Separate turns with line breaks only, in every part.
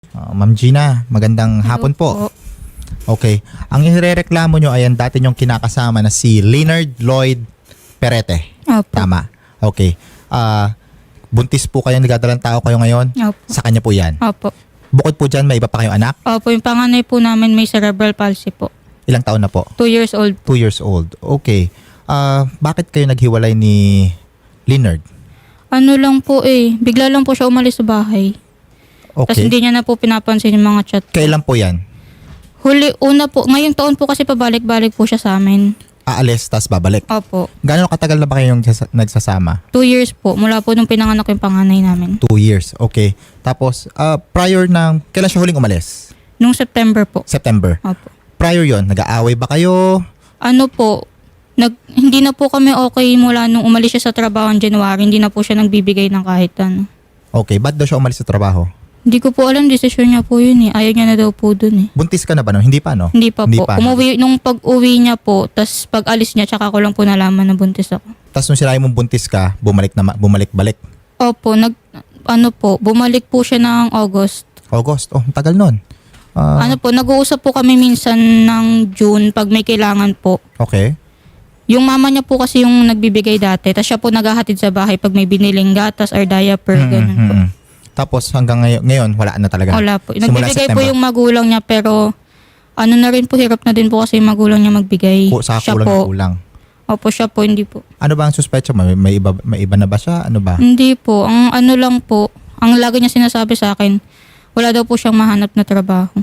Ma'am Gina, magandang hapon po. Okay. Ang irereklamo nyo ay ang dati nyong kinakasama na si Leonard Lloyd Perete.
Opo.
Tama. Okay. Buntis po kayo, nagdadalang tao kayo ngayon.
Opo.
Sa kanya po yan.
Opo.
Bukod po dyan, may iba pa kayong anak?
Opo, yung panganay po namin may cerebral palsy po.
Ilang taon na po?
2 years old.
2 years old. Okay. Bakit kayo naghiwalay ni Leonard?
Ano lang po bigla lang po siya umalis sa bahay. Tapos
Okay.
hindi niya na po pinapansin yung mga chat.
Kailan po yan?
Una po, ngayong taon po kasi pabalik-balik po siya sa amin.
Aalis, tas babalik.
Opo.
Gano'ng katagal na ba kayong nagsasama?
2 years po, mula po nung pinanganak yung panganay namin.
2 years. Okay. Tapos, prior ng, kailan siya huling umalis?
Nung September po.
September.
Opo.
Prior yon, nag-aaway ba kayo?
Ano po, hindi na po kami okay mula nung umalis siya sa trabaho ng January. Hindi na po siya nagbibigay ng kahit ano.
Okay, ba't daw siya umalis sa trabaho?
Hindi ko po alam, desisyon niya po yun Ayaw niya na daw po dun
Buntis ka na ba no? Hindi pa no?
Hindi pa po.
pa.
Nung pag-uwi niya po, tas pag-alis niya, tsaka ko lang po nalaman na buntis ako.
Tapos nung sinabi mong buntis ka, bumalik-balik.
Opo, bumalik po siya ng August.
August. Oh, ang tagal nun.
Nag-uusap po kami minsan ng June pag may kailangan po.
Okay.
Yung mama niya po kasi yung nagbibigay dati, tas siya po naghahatid sa bahay pag may biniling gatas or diaper, ganun po.
Tapos hanggang ngayon, wala na talaga.
Wala po.
Simula
Nagbibigay po
September.
yung magulang niya pero ano na rin po, hirap na din po kasi yung magulang niya magbigay.
Sa
Siya
kulang
po.
na kulang.
Opo, siya po, hindi po.
Ano ba ang suspecha mo? May iba na ba siya? Ano ba?
Hindi po. Ang ano lang po, ang lagi niya sinasabi sa akin, wala daw po siyang mahanap na trabaho.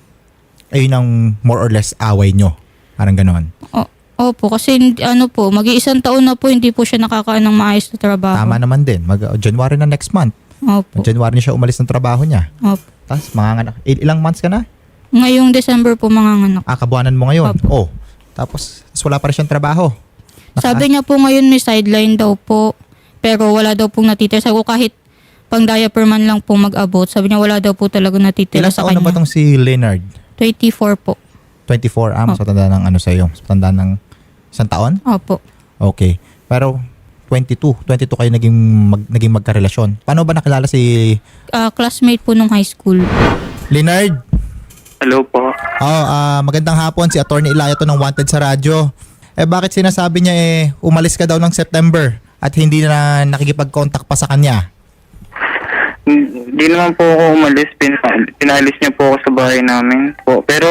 Ayun ang more or less away nyo. Parang ganon.
Opo, kasi mag-iisang taon na po, hindi po siya nakakaan ng maayos na trabaho.
Tama naman din. January na next month.
Opo.
January na siya umalis ng trabaho niya.
Opo.
Tapos manganganak. Ilang months ka na?
Ngayong December po manganganak.
Kabuanan mo ngayon.
Opo.
Tapos wala pa rin siyang trabaho.
Sabi niya po ngayon may sideline daw po, pero wala daw pong natitira. Sabi ko kahit pang diaper man lang po mag-abot, sabi niya wala daw po talaga natitira
Ilang
sa
taon na ba
kanya.
tong si Leonard?
24 po.
24. Mas matanda ng ano sa'yo? Mas matanda ng isang taon?
Opo.
Okay. Pero 22 kayo naging magkarelasyon. Paano ba nakilala si
Classmate po nung high school.
Leonard?
Hello po.
Magandang hapon. Si Attorney Ilaya to ng Wanted sa radyo. Bakit sinasabi niya umalis ka daw ng September at hindi na nakikipag-contact pa sa kanya?
Hindi naman po ako umalis. Pinalis niya po ako sa bahay namin po. Pero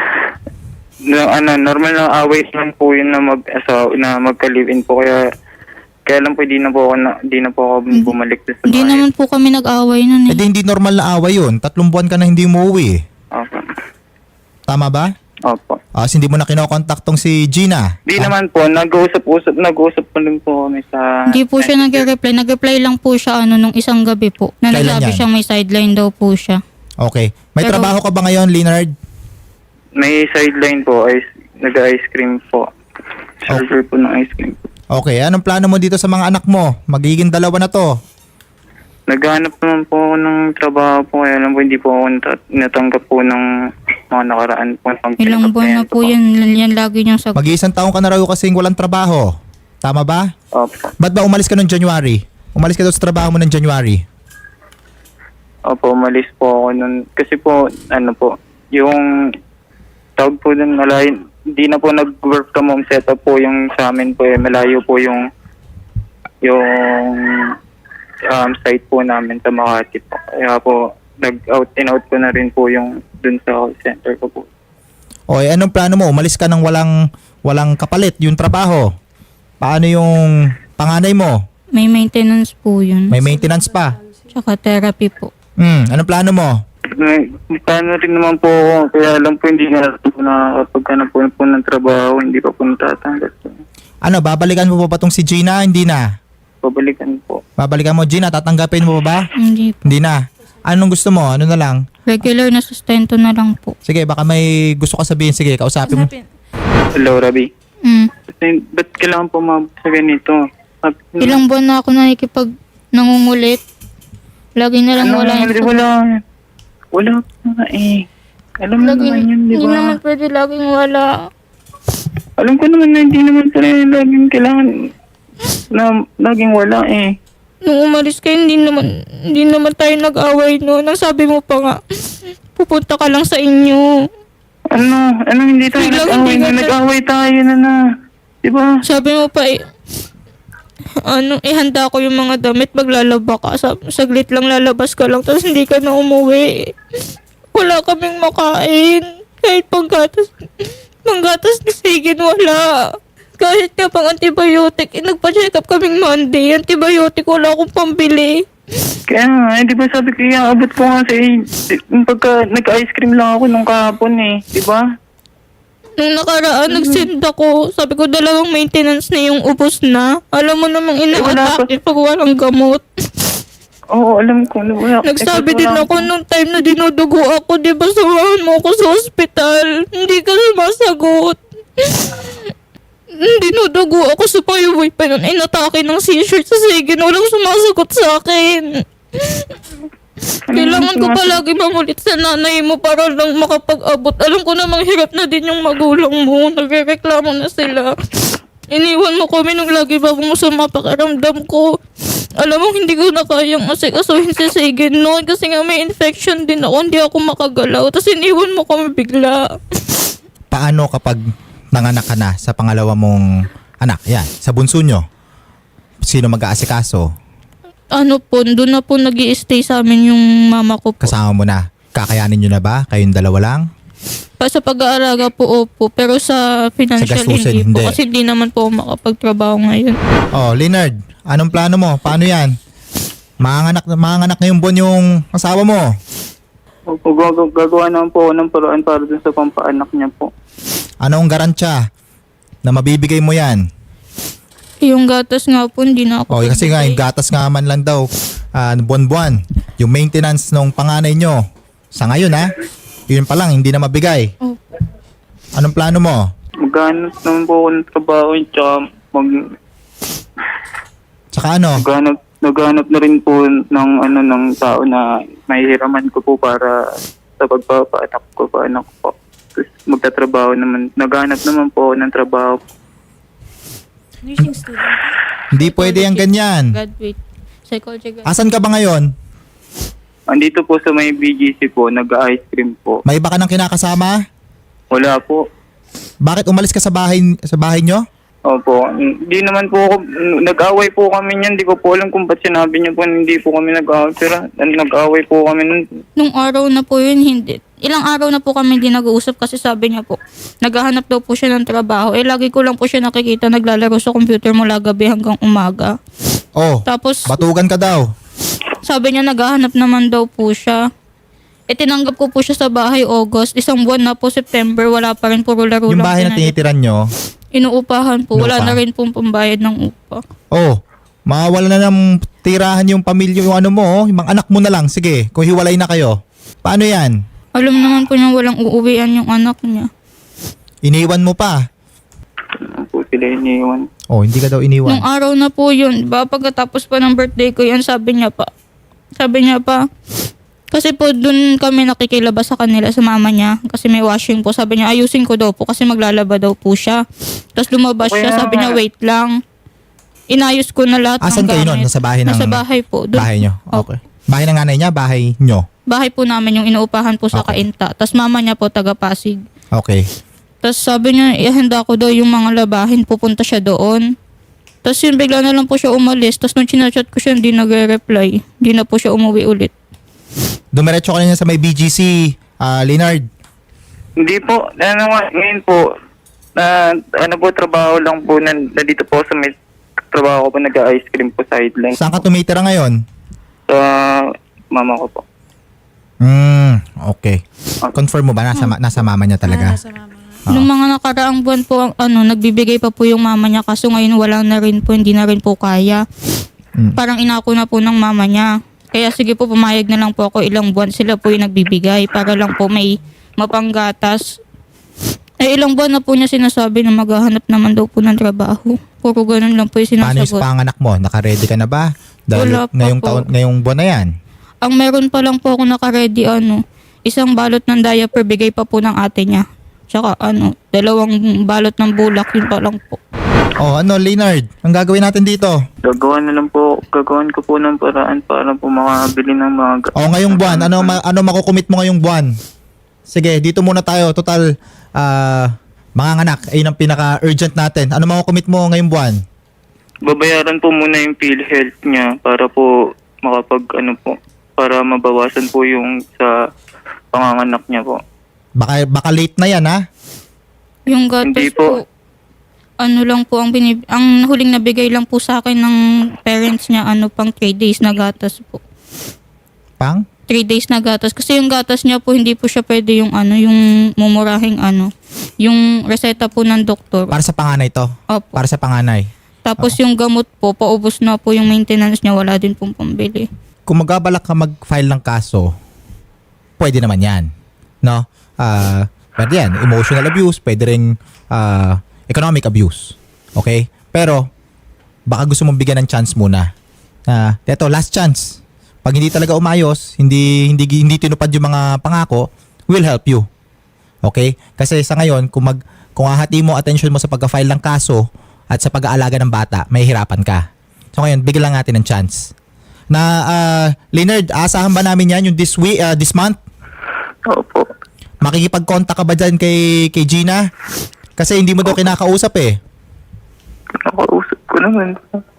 normal na away lang po yun na magka-live-in po, kaya lang po di na po ako bumalik sa bahay.
Hindi naman po kami nag-away nun
Hindi normal na away yun. 3 buwan ka na hindi umuwi.
Opo.
Tama ba?
Opo.
Hindi mo na kinokontakt tong si Gina.
Di naman po, nag-uusap po rin po kami sa...
Hindi po siya nag-reply. Nag-reply lang po siya nung isang gabi po. Na
Kailan
nagsabi
yan?
siyang may sideline daw po siya.
Okay. May
Pero-
trabaho ka ba ngayon, Leonard?
May sideline po, nag-ice cream po. Server po ng ice cream po.
Okay. Anong plano mo dito sa mga anak mo? Magiging 2 na to.
Naghanap naman po ako ng trabaho po, kaya lang po hindi po ako natanggap po ng mga nakaraan po.
Ilang buwan na po yan. Yan lagi niyang sagot.
Mag-iisang taong ka na raw kasing walang trabaho. Tama ba?
Opo.
Ba't ba umalis ka noong January? Umalis ka daw sa trabaho mo ng January.
Opo, umalis po ako nun. Kasi po, yung tawag po dun, hindi na po nag-work from home setup po yung sa amin po malayo po yung site po namin sa Makati po. Kaya po, nag-out and out ko na rin po yung dun sa call center ko po.
O anong plano mo? Umalis ka ng walang kapalit yung trabaho. Paano yung panganay mo?
May maintenance po yun.
May maintenance pa.
Tsaka therapy po.
Anong plano mo?
Paano rin naman po ako, kaya lang po hindi na po nakakapagkanap po ng trabaho, hindi pa po natatanggap po.
Babalikan mo pa ba tong si Gina? Hindi na.
Pabalikan po.
Babalikan mo, Gina? Tatanggapin mo pa ba?
Hindi po.
Hindi na. Anong gusto mo? Ano na lang?
Regular na sustento na lang po.
Sige, baka may gusto ka sabihin. Sige, kausapin mo.
Hello, Rabi. Ba't kailangan po sa ganito?
Ilang buwan na ako nangungulit. Lagi na lang wala yung
Wala pa Alam mo naman yun, di
Hindi
ba?
naman pwede laging wala.
Alam ko naman na hindi naman pala laging kailangan na laging wala
nung umalis kayo, hindi naman tayo nag-away noon. Ang sabi mo pa nga, pupunta ka lang sa inyo.
Ano, hindi tayo
Biglang
nag-away
hindi
na.
ka
Nag-away tayo na. Diba?
Sabi mo pa, ihanda ko yung mga damit, maglalaba ka. Saglit lang lalabas ka lang, tapos hindi ka na umuwi. Wala kaming makain. Kahit panggatas ni Sigin, wala. Kahit nga pang antibiotic, nagpa-check up kaming Monday. Antibiotic, wala akong pambili.
Kaya nga, di ba sabi ko, abot ko nga sa pagka nag-ice cream lang ako nung kahapon di ba?
Nung nakaraan, nagsend ako. Sabi ko, 2 maintenance na yung ubos na. Alam mo namang ina-atake pag walang gamot.
Oo, alam ko.
Nagsabi din ako nung time na dinudugo ako, di ba samahan mo ako sa ospital? Hindi ka sumasagot. Dinudugo ako sa payaway pa nun. Inatake ng seizure sa Sigin. Walang sumasagot sa akin. Kailangan ko palagi mamulit sa nanay mo para lang makapag-abot. Alam ko namang hirap na din yung magulang mo. Nagrereklamo na sila. Iniwan mo kami nung lagi ba mo sa mapakaramdam ko. Alam mo, hindi ko na kayang asikasuhin si Sigin noon kasi nga may infection din ako. Hindi ako makagalaw. Tapos iniwan mo kami bigla.
Paano kapag nanganak ka na sa pangalawa mong anak? Yan, sa bunso nyo. Sino mag-aasikaso?
Doon na po nag-i-stay sa amin yung mama ko po.
Kasama mo na. Kakayanin nyo na ba? Kayong dalawa lang?
Sa pag-aalaga po, opo. Pero sa financial,
Sa gastusin,
hindi po.
hindi.
Kasi hindi naman po ako makapagtrabaho ngayon.
Oh, Leonard, anong plano mo? Paano yan? Manganganak ngayong buwan yung asawa mo.
Opo, gagawa naman po ako ng paraan para dun sa pampaanak niya po.
Anong garantsya na mabibigay mo yan?
Yung gatas nga po, hindi na ako.
Oh, kasi nga, yung gatas nga man lang daw, buwan-buwan. Yung maintenance ng panganay nyo, sa ngayon yun pa lang, hindi na mabigay.
Opo.
Anong plano mo?
Maghanap naman po ako ng trabaho, tsaka
Tsaka ano?
naghanap na rin po ng tao na mahihiraman ko po para sa pagpapaanak ko, paanak ko. Tapos magtatrabaho naman. Naghanap naman po ako ng trabaho.
Nursing student.
Hindi pwede yung ganyan.
Graduate. Psychology graduate.
Asan ka ba ngayon?
Andito po sa may BGC po, nag-ice cream po.
May iba ka nang kinakasama?
Wala po.
Bakit umalis ka sa bahay nyo?
Opo. Hindi naman po ako, nag-away po kami niyan. Hindi ko po alam kung ba't sinabi niyo po hindi po kami nag-away. Pero nag-away po kami nun.
Nung araw na po yun, hindi. Ilang araw na po kami hindi nag-uusap kasi sabi niya po, naghahanap daw po siya ng trabaho. Lagi ko lang po siya nakikita naglalaro sa computer mula gabi hanggang umaga.
Oh,
Tapos,
batugan ka daw.
sabi niya naghahanap naman daw po siya. Tinanggap ko po siya sa bahay August. 1 buwan na po, September, wala pa rin, puro laro
Yung
lang.
bahay na tinitiran nyo,
Inuupahan po. Wala
Inuupahan.
na rin pong pambayad ng upa.
oh, mawawala na ng tirahan yung pamilya, yung ano mo, yung mga anak mo na lang. Sige, kung hiwalay na kayo. Paano yan?
Alam naman po niya walang uuwian yung anak niya.
Iniwan mo pa.
Ano po sila iniwan.
Oh, hindi ka daw
Nung
iniwan.
araw na po yun, pagkatapos pa ng birthday ko yan, sabi niya pa, kasi po dun kami nakikilabas sa kanila sa mama niya kasi may washing po. Sabi niya ayusin ko daw po kasi maglalaba daw po siya. Tapos lumabas siya, sabi niya wait lang. Inayos ko na lahat
Asan
ng
kayo nun?
gamit.
Nasa bahay ng...
Nasa bahay po.
Bahay nyo? Okay. Bahay ng nanay niya? Bahay nyo?
Bahay po namin yung inuupahan po sa
Okay.
Kainta. Tapos mama niya po taga Pasig.
Okay.
Tapos sabi niya, ihanda ko daw yung mga labahin, pupunta siya doon. Tapos yun, bigla na lang po siya umalis. Tapos nung chinachat ko siya, hindi nagre-reply. Hindi na po siya umuwi ulit.
Dumiretso ka na sa may BGC, Leonard.
Hindi po. Ngayon po, trabaho lang po nandito po sa may trabaho ko po, nag-ice cream po sideline.
Saan ka tumitira ngayon?
Sa mama ko po.
Okay. Confirm mo ba? Nasa mama niya talaga? Oo.
Nung mga nakaraang buwan po, nagbibigay pa po yung mama niya. Kaso ngayon wala na rin po, hindi na rin po kaya. Parang inako na po ng mama niya. Kaya sige po, pumayag na lang po ako, ilang buwan sila po yung nagbibigay para lang po may mapanggatas. Ilang buwan na po niya sinasabi na maghahanap naman daw po ng trabaho. Puro ganun lang po yung
Paano yung
sinasagot.
panganak mo? Naka-ready ka na ba?
Wala pa po.
Ngayong buwan na yan.
Ang meron pa lang po ako naka-ready, isang balot ng diaper, bigay pa po ng ate niya. Tsaka 2 balot ng bulak, yun pa lang po.
Leonard, ang gagawin natin dito?
Gagawan ko po ng paraan para po makabili ng mga
Ngayong buwan, ano makukumit mo ngayong buwan? Sige, dito muna tayo. Total, mga anak, ayun ang pinaka-urgent natin. Ano makukumit mo ngayong buwan?
Babayaran po muna yung PhilHealth niya para po para mabawasan po yung sa panganganak niya po.
Baka late na yan, ha?
Yung gatas
Hindi
po,
po.
ano lang po, ang huling nabigay lang po sa akin ng parents niya, pang 3 days na gatas po.
Pang?
3 days na gatas. Kasi yung gatas niya po, hindi po siya pwede yung yung mumurahing yung reseta po ng doktor.
Para sa panganay to?
Opo.
Para sa panganay?
Tapos yung gamot po, paubos na po yung maintenance niya, wala din pong pambili.
Kung magabalak ka mag-file ng kaso, pwede naman yan. No? Pwede yan. Emotional abuse, pwede rin economic abuse. Okay? Pero, baka gusto mong bigyan ng chance muna. Eto, last chance. Pag hindi talaga umayos, hindi tinupad yung mga pangako, we'll help you. Okay? Kasi sa ngayon, kung ahati mo attention mo sa pagka-file ng kaso at sa pag-aalaga ng bata, may hirapan ka. So ngayon, bigyan lang natin ng chance. Leonard, aasahan ba namin yan yung this month?
Opo.
Makikipag-contact ka ba dyan kay Gina? Kasi hindi mo daw kinakausap eh.
Nakausap ko naman.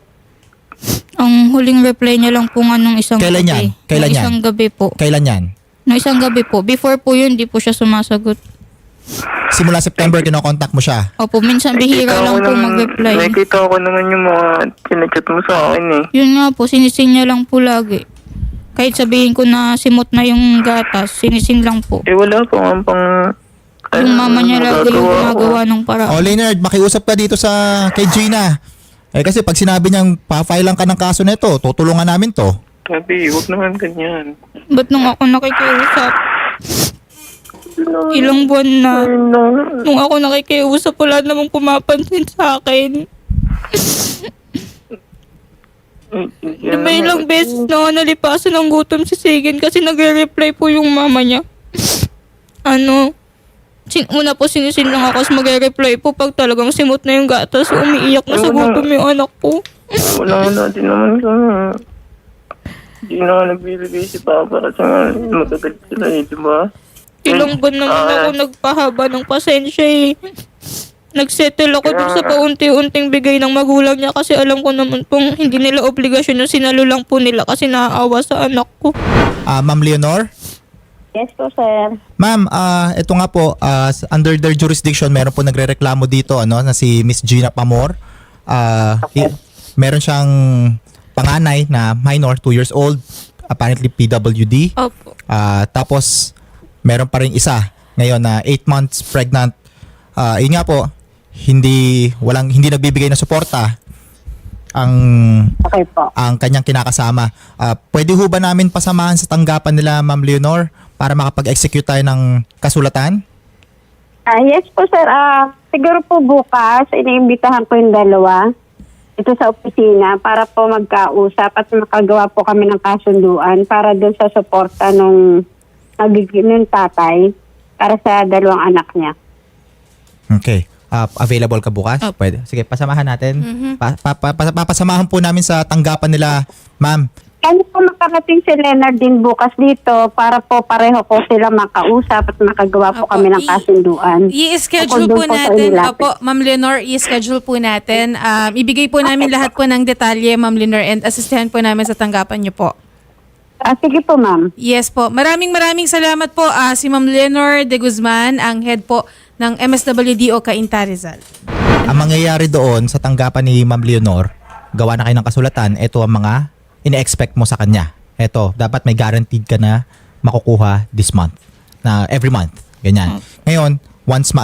Ang huling reply niya lang po nung isang
Kailan yan?
gabi.
Kailan
Nung
yan?
isang gabi po.
Kailan yan?
Nung isang gabi po. Before po yun, di po siya sumasagot.
Simula September, kinokontakt mo siya.
Opo, minsan bihira lang po mag-reply.
Nakikita ko naman yung mga sinachat mo sa akin eh.
Yun nga po, sinisin niya lang po lagi. Kahit sabihin ko na simot na yung gatas, sinisin lang po.
Wala pa nga pang...
Yung mama niya lagi yung gumagawa ng paraan.
Leonard, makiusap ka dito kay Gina. Kasi pag sinabi niyang pa-file lang ka ng kaso nito, tutulungan namin to.
Sabi, huwag naman ganyan.
Ba't nung ako nakikiusap? Ilang buwan na. Nung ako nakikiusap, wala namang pumapansin sa akin. Diba ilang beses na nalipasan ng gutom si Sigin kasi nagre-reply po yung mama niya. Una po sinisin lang ako kasi magre-reply po pag talagang simot na yung gatas, umiiyak na sa gutom yung anak ko.
Wala natin naman kami. Hindi na nga nagbibigay si Papa kasi nga magagalit sila eh, di ba?
Ilang buwan naman ako nagpahaba ng pasensya eh. Nagsettle ako dun sa paunti-unting bigay ng magulang niya kasi alam ko naman pong hindi nila obligasyon yung sinalo lang po nila kasi naaawa sa anak ko.
Ma'am Leonor?
Yes po, sir.
Ma'am, ito nga po, under their jurisdiction, meron po nagrereklamo dito, na si Miss Gina Pamor. Meron siyang panganay na minor, 2 years old, apparently PWD.
Opo.
Tapos, meron pa rin isa, ngayon na 8 months pregnant. Yun nga po, hindi nagbibigay ng suporta
Okay po.
ang kanyang kinakasama. Pwede ho ba namin pasamahan sa tanggapan nila, Ma'am Leonor, para makapag-execute tayo ng kasulatan?
Yes po, sir. Siguro po bukas, iniimbitahan ko yung dalawa ito sa opisina para po magkausap at makagawa po kami ng kasunduan para doon sa suporta nung tatay para sa dalawang anak niya.
Okay. Available ka bukas? Pwede. Sige, pasamahan natin. Papasamahan po namin sa tanggapan nila, ma'am.
Kaya po makarating si Leonard din bukas dito para po pareho po sila makausap at makagawa po kami ng kasunduan.
I-schedule
Tungkol
po
doon po sa
natin,
inilapit.
Ma'am Leonor, i-schedule po natin. Ibigay po namin lahat po ng detalye, Ma'am Leonor, and asistihan po namin sa tanggapan niyo po.
Sige po, ma'am.
Yes po. Maraming salamat po si Ma'am Leonor de Guzman, ang head po ng MSWDO Cainta Rizal.
Ang mangyayari doon sa tanggapan ni Ma'am Leonor, gawa na kayo ng kasulatan, ito ang mga ine-expect mo sa kanya. Ito, dapat may guaranteed ka na makukuha this month. Na every month. Ganyan. Ngayon, once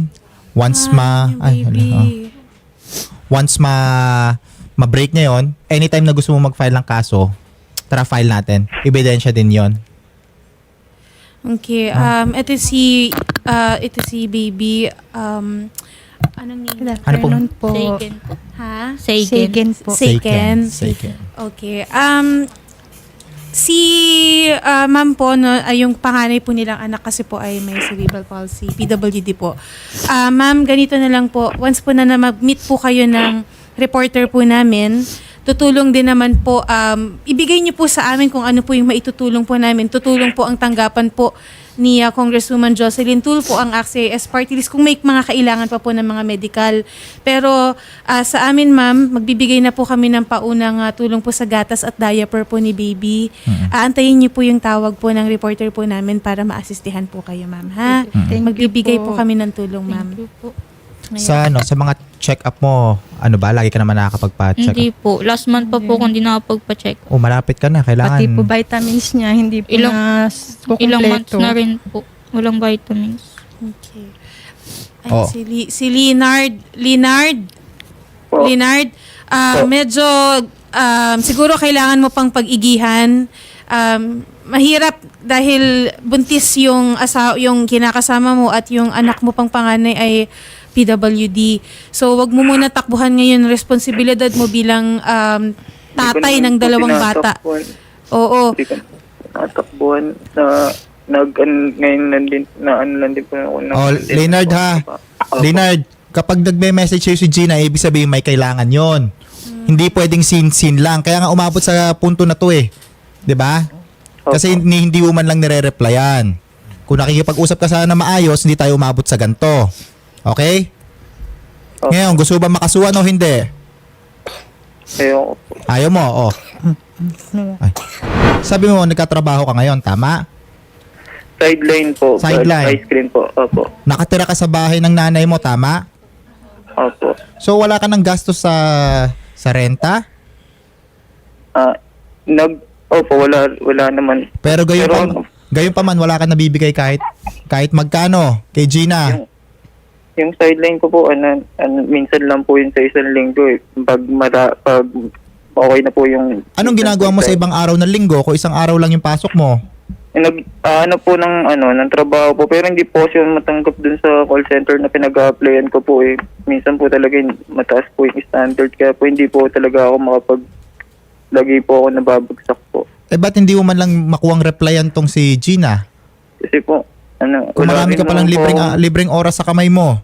ma-break niya yon, anytime na gusto mo mag-file ng kaso, tara file natin. Ebidensya din yon.
Okay. Ito si baby. Anong name?
Ano po?
Seiken po.
Ha?
Seiken po.
Seiken.
Seiken.
Okay. ma'am po, no, ay yung panganay po nilang anak kasi po ay may cerebral palsy, PWD po. Ma'am, ganito na lang po. Once po na mag-meet po kayo ng reporter po namin, tutulong din naman po, ibigay niyo po sa amin kung ano po yung maitutulong po namin. Tutulong po ang tanggapan po ni Congresswoman Jocelyn Tulfo ang AXIS Party List kung may mga kailangan pa po ng mga medical. Pero sa amin, ma'am, magbibigay na po kami ng paunang tulong po sa gatas at diaper po ni baby. Aantayin niyo po yung tawag po ng reporter po namin para maasistihan po kayo, ma'am. Ha?
Thank you
Magbibigay po
po.
kami ng tulong, ma'am.
Thank you po.
Sa mga check-up mo, ano ba? Lagi ka naman nakakapagpa-check
Hindi
up?
po. Last month pa po kung di nakapagpa-check.
O malapit ka na, kailangan.
Pati po vitamins niya, hindi po
Ilang-
na
Ilang months
kukumpleto.
na rin po. Walang vitamins.
Okay. Ay,
Oh.
si Leonard.
Po.
Leonard, medyo siguro kailangan mo pang pag-igihan. Mahirap dahil buntis yung yung kinakasama mo at yung anak mo pang panganay ay PWD. So wag mo muna takbuhan ngayon ang responsibilidad mo bilang tatay ng dalawang bata. Oo.
Hindi ko natakbuhan ngayon lang din po ako.
Leonard ha. Leonard, kapag nagme-message sa'yo si Gina, ibig sabihin may kailangan yon. Hindi pwedeng sin lang. Kaya nga umabot sa punto na to eh. 'Di ba? Kasi hindi mo man lang nire-replyan. Kung nakikipag-usap ka sana na maayos, hindi tayo umabot sa ganito. Okay?
Okay.
Ngayon, gusto ba makasuhan o hindi?
Ayoko po.
Ayaw mo, oh. Ay. Sabi mo, nagkatrabaho ka ngayon, tama?
Sideline po.
Sideline.
Ice cream po. Opo.
Nakatira ka sa bahay ng nanay mo, tama?
Opo.
So, wala ka ng gastos sa renta?
Opo, wala naman.
Pero gayon pa man, wala ka nabibigay kahit magkano kay Gina.
Yung sideline ko po, minsan lang po yun sa isang linggo eh. Pag okay na po yung...
Anong ginagawa mo sa ibang araw ng linggo kung isang araw lang yung pasok mo?
ng trabaho po, pero hindi po siya matanggap dun sa call center na pinag-a-applyan ko po eh. Minsan po talaga mataas po yung standard, kaya po hindi po talaga ako lagi po ako nababagsak po.
Eh ba't hindi mo man lang makuwang replyan tong si Gina?
Kasi po,
Kung
wala
marami
rin
ka palang
naman po-
libreng oras sa kamay mo.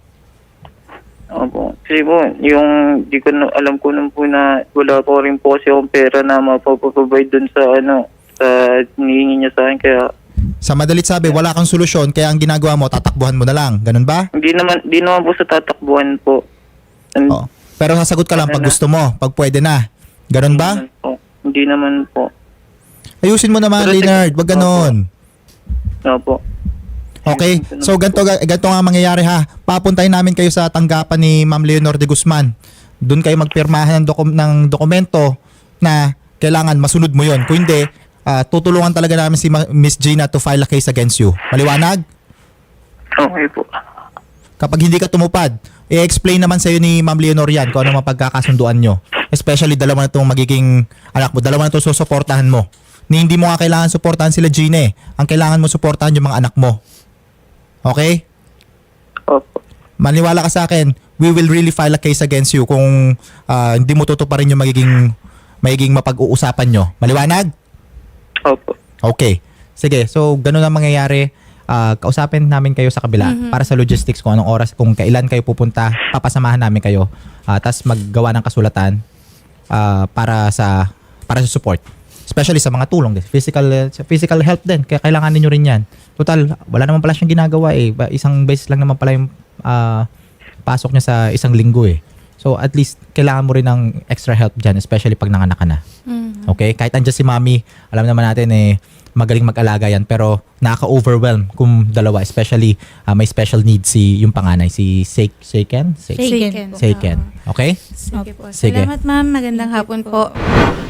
Opo. Kasi po, alam ko nung po na wala po rin po kasi akong pera na mapaprovide dun sa sa hinihingi niya sa akin, kaya
Sa madalit sabi, wala kang solusyon, kaya ang ginagawa mo, tatakbuhan mo na lang. Ganun ba?
hindi naman po sa tatakbuhan po.
Oo. Pero sasagot ka lang pag gusto mo, pag pwede na. Ganun ba?
Hindi naman po.
Ayusin mo naman,
Pero
Leonard. Wag ganon.
Opo.
Okay? So, ganito nga mangyayari ha. Papuntahin namin kayo sa tanggapan ni Ma'am Leonor de Guzman. Doon kayo magpirmahan ng dokumento na kailangan masunod mo yon. Kung hindi, tutulungan talaga namin si Miss Gina to file a case against you. Maliwanag?
Okay po.
Kapag hindi ka tumupad, i-explain naman sa'yo ni Ma'am Leonor yan kung ano mapagkakasunduan nyo. Especially dalawa na itong magiging anak mo, dalawa na itong susuportahan mo. Hindi mo nga kailangan suportahan sila Gina eh. Ang kailangan mo suportahan yung mga anak mo. Okay?
Opo.
Maniwala ka sa akin, we will really file a case against you kung hindi mo tutuparin yung magiging mapag-uusapan nyo. Maliwanag?
Opo.
Okay. Sige, so ganun ang mangyayari. Kausapin namin kayo sa kabila para sa logistics kung anong oras, kung kailan kayo pupunta, papasamahan namin kayo. Tapos maggawa ng kasulatan para sa support. Especially sa mga tulong din. Physical help din. Kaya kailangan niyo rin yan. Total, wala naman pala siyang ginagawa eh. Isang beses lang naman pala yung pasok niya sa isang linggo eh. So at least kailangan mo rin ng extra help dyan, especially pag nanganak ka na. Okay? Kahit andyan si mami, alam naman natin eh, magaling mag-alaga yan, pero nakaka-overwhelm kung dalawa, especially may special needs yung panganay, si Seiken.
Seiken.
Okay?
Sige po.
Sige.
Salamat, ma'am. Magandang hapon po.